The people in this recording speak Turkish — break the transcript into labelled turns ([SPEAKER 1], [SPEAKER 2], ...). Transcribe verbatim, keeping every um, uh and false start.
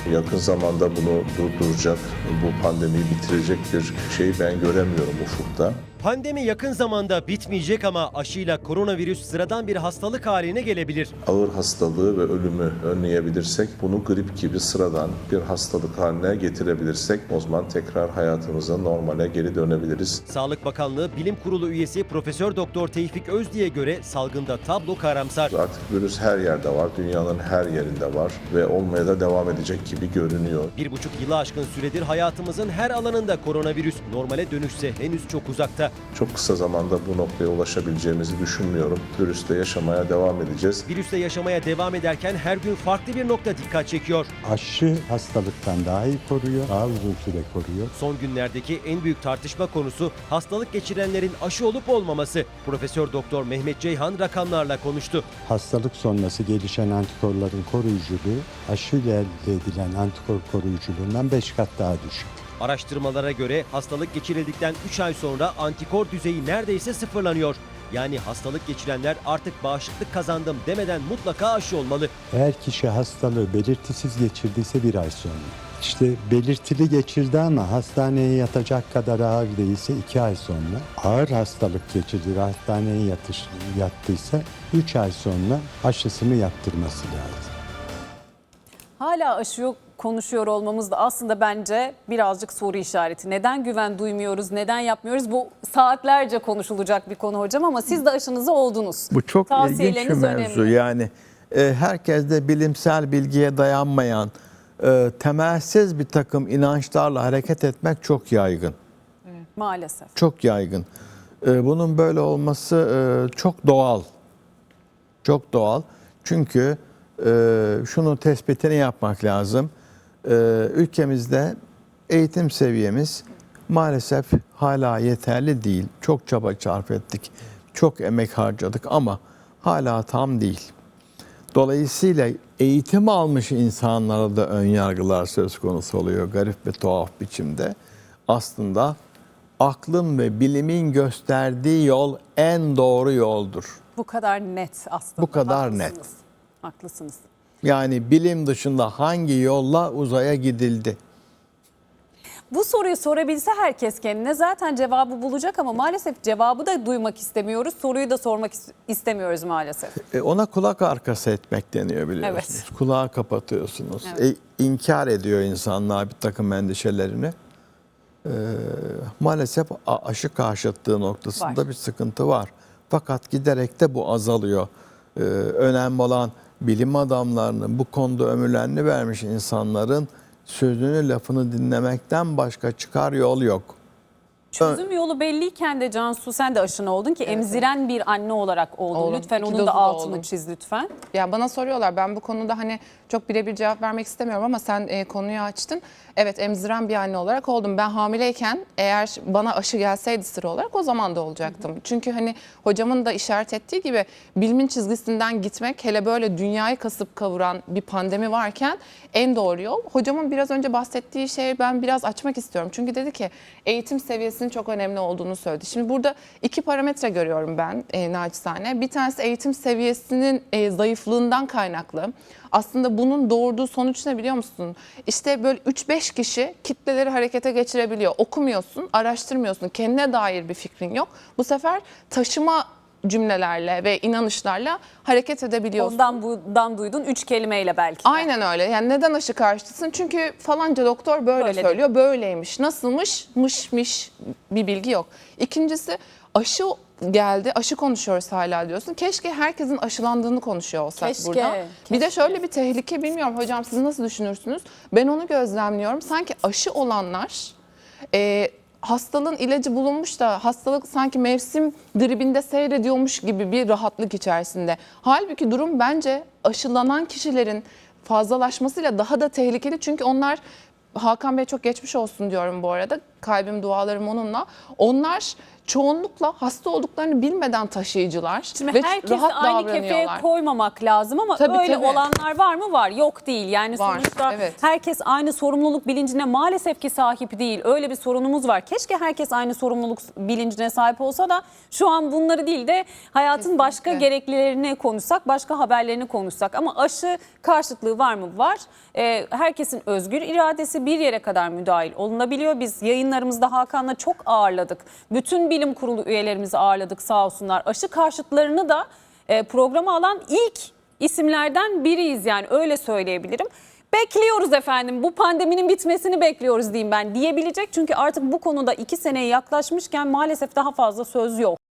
[SPEAKER 1] Yakın zamanda bunu durduracak, bu pandemiyi bitirecek bir şey ben göremiyorum ufukta.
[SPEAKER 2] Pandemi yakın zamanda bitmeyecek ama aşıyla koronavirüs sıradan bir hastalık haline gelebilir.
[SPEAKER 1] Ağır hastalığı ve ölümü önleyebilirsek, bunu grip gibi sıradan bir hastalık haline getirebilirsek o zaman tekrar hayatımıza normale geri dönebiliriz.
[SPEAKER 2] Sağlık Bakanlığı Bilim Kurulu üyesi Profesör Doktor Tevfik Özdi'ye göre salgında tablo karamsar.
[SPEAKER 1] Artık virüs her yerde var, dünyanın her yerinde var ve olmaya da devam edecek gibi görünüyor.
[SPEAKER 2] Bir buçuk yılı aşkın süredir hayatımızın her alanında koronavirüs normale dönüşse henüz çok uzakta.
[SPEAKER 1] Çok kısa zamanda bu noktaya ulaşabileceğimizi düşünmüyorum. Virüsle yaşamaya devam edeceğiz.
[SPEAKER 2] Virüsle yaşamaya devam ederken her gün farklı bir nokta dikkat çekiyor.
[SPEAKER 3] Aşı hastalıktan daha iyi koruyor, daha uzun süre koruyor.
[SPEAKER 2] Son günlerdeki en büyük tartışma konusu hastalık geçirenlerin aşı olup olmaması. Profesör Doktor Mehmet Ceyhan rakamlarla konuştu.
[SPEAKER 3] Hastalık sonrası gelişen antikorların koruyuculuğu aşıyla elde edilen antikor koruyuculuğundan beş kat daha düşük.
[SPEAKER 2] Araştırmalara göre hastalık geçirildikten üç ay sonra antikor düzeyi neredeyse sıfırlanıyor. Yani hastalık geçirenler artık bağışıklık kazandım demeden mutlaka aşı olmalı.
[SPEAKER 3] Eğer kişi hastalığı belirtisiz geçirdiyse bir ay sonra. İşte belirtili geçirdi ama hastaneye yatacak kadar ağır değilse iki ay sonra. Ağır hastalık geçirdi ve hastaneye yatış, yattıysa üç ay sonra aşısını yaptırması lazım.
[SPEAKER 4] Hala aşı yok konuşuyor olmamız da aslında bence birazcık soru işareti. Neden güven duymuyoruz, neden yapmıyoruz? Bu saatlerce konuşulacak bir konu hocam ama siz de aşınızı oldunuz.
[SPEAKER 5] Bu çok ilginç bir
[SPEAKER 4] Tavsiyeleriniz
[SPEAKER 5] mevzu.
[SPEAKER 4] önemli.
[SPEAKER 5] Yani e, herkes de bilimsel bilgiye dayanmayan, e, temelsiz bir takım inançlarla hareket etmek çok yaygın.
[SPEAKER 4] Maalesef.
[SPEAKER 5] Çok yaygın. E, bunun böyle olması e, çok doğal. Çok doğal. Çünkü e, şunu tespitini yapmak lazım. E, ülkemizde eğitim seviyemiz maalesef hala yeterli değil. Çok çaba sarf ettik. Çok emek harcadık ama hala tam değil. Dolayısıyla eğitim almış insanlara da ön yargılar söz konusu oluyor garip ve tuhaf biçimde. Aslında aklın ve bilimin gösterdiği yol en doğru yoldur.
[SPEAKER 4] Bu kadar net aslında.
[SPEAKER 5] Bu kadar
[SPEAKER 4] Haklısınız.
[SPEAKER 5] net.
[SPEAKER 4] Haklısınız.
[SPEAKER 5] Yani bilim dışında hangi yolla uzaya gidildi?
[SPEAKER 4] Bu soruyu sorabilse herkes kendine zaten cevabı bulacak ama maalesef cevabı da duymak istemiyoruz. Soruyu da sormak is- istemiyoruz maalesef.
[SPEAKER 5] E, ona kulak arkası etmek deniyor biliyorsunuz.
[SPEAKER 4] Evet.
[SPEAKER 5] Kulağı kapatıyorsunuz.
[SPEAKER 4] Evet.
[SPEAKER 5] E, inkar ediyor insanlar bir takım endişelerini. E, maalesef a- aşı karşıtlığı noktasında
[SPEAKER 4] Var.
[SPEAKER 5] bir sıkıntı var. Fakat giderek de bu azalıyor. E, önemli olan bilim adamlarının bu konuda ömürlerini vermiş insanların sözünü lafını dinlemekten başka çıkar yol yok.
[SPEAKER 4] Çözüm yolu belliyken de Cansu sen de aşına oldun ki emziren bir anne olarak oldun.
[SPEAKER 6] Oldum.
[SPEAKER 4] Lütfen
[SPEAKER 6] İki
[SPEAKER 4] onun
[SPEAKER 6] dozu
[SPEAKER 4] da
[SPEAKER 6] da
[SPEAKER 4] altını
[SPEAKER 6] oldum.
[SPEAKER 4] çiz lütfen.
[SPEAKER 6] Ya bana soruyorlar, ben bu konuda hani çok birebir cevap vermek istemiyorum ama sen e, konuyu açtın. Evet, emziren bir anne olarak oldum. Ben hamileyken eğer bana aşı gelseydi sıra olarak o zaman da olacaktım. Hı hı. Çünkü hani hocamın da işaret ettiği gibi bilimin çizgisinden gitmek, hele böyle dünyayı kasıp kavuran bir pandemi varken en doğru yol. Hocamın biraz önce bahsettiği şeyi ben biraz açmak istiyorum. Çünkü dedi ki eğitim seviyesinin çok önemli olduğunu söyledi. Şimdi burada iki parametre görüyorum ben e, naçizane. Bir tanesi eğitim seviyesinin e, zayıflığından kaynaklı. Aslında bunun doğurduğu sonuç ne biliyor musun? İşte böyle üç beş kişi kitleleri harekete geçirebiliyor. Okumuyorsun, araştırmıyorsun, kendine dair bir fikrin yok. Bu sefer taşıma cümlelerle ve inanışlarla hareket edebiliyorsun.
[SPEAKER 4] Ondan bundan duydun üç kelimeyle belki.
[SPEAKER 6] Aynen öyle. Yani neden aşı karşıtısın? Çünkü falanca doktor böyle,
[SPEAKER 4] Böyle
[SPEAKER 6] söylüyor, böyleymiş. Nasılmış? Mışmış bir bilgi yok. İkincisi aşı geldi, aşı konuşuyoruz hala diyorsun. Keşke herkesin aşılandığını konuşuyor olsak
[SPEAKER 4] Keşke,
[SPEAKER 6] burada. Bir de
[SPEAKER 4] keşke.
[SPEAKER 6] şöyle bir tehlike, bilmiyorum hocam siz nasıl düşünürsünüz? Ben onu gözlemliyorum. Sanki aşı olanlar e, hastalığın ilacı bulunmuş da hastalık sanki mevsim gribinde seyrediyormuş gibi bir rahatlık içerisinde. Halbuki durum bence aşılanan kişilerin fazlalaşmasıyla daha da tehlikeli. Çünkü onlar, Hakan Bey çok geçmiş olsun diyorum bu arada. Kalbim dualarım onunla. Onlar çoğunlukla hasta olduklarını bilmeden taşıyıcılar
[SPEAKER 4] Şimdi
[SPEAKER 6] ve
[SPEAKER 4] herkesi
[SPEAKER 6] rahat
[SPEAKER 4] aynı kefeye
[SPEAKER 6] davranıyorlar.
[SPEAKER 4] koymamak lazım ama
[SPEAKER 6] Tabii,
[SPEAKER 4] öyle
[SPEAKER 6] tabii.
[SPEAKER 4] olanlar var mı? Var. Yok değil. Yani
[SPEAKER 6] Var,
[SPEAKER 4] sonuçta
[SPEAKER 6] evet.
[SPEAKER 4] herkes aynı sorumluluk bilincine maalesef ki sahip değil. Öyle bir sorunumuz var. Keşke herkes aynı sorumluluk bilincine sahip olsa da şu an bunları değil de hayatın
[SPEAKER 6] Kesinlikle.
[SPEAKER 4] başka gereklilerini konuşsak, başka haberlerini konuşsak. Ama aşı karşıtlığı var mı? Var. Ee, herkesin özgür iradesi bir yere kadar müdahil olunabiliyor. Biz yayınlarımızda Hakan'la çok ağırladık. Bütün bilim kurulu üyelerimizi ağırladık sağ olsunlar. Aşı karşıtlarını da e, programa alan ilk isimlerden biriyiz yani öyle söyleyebilirim. Bekliyoruz efendim, bu pandeminin bitmesini bekliyoruz diyeyim ben diyebilecek. Çünkü artık bu konuda iki seneye yaklaşmışken maalesef daha fazla söz yok.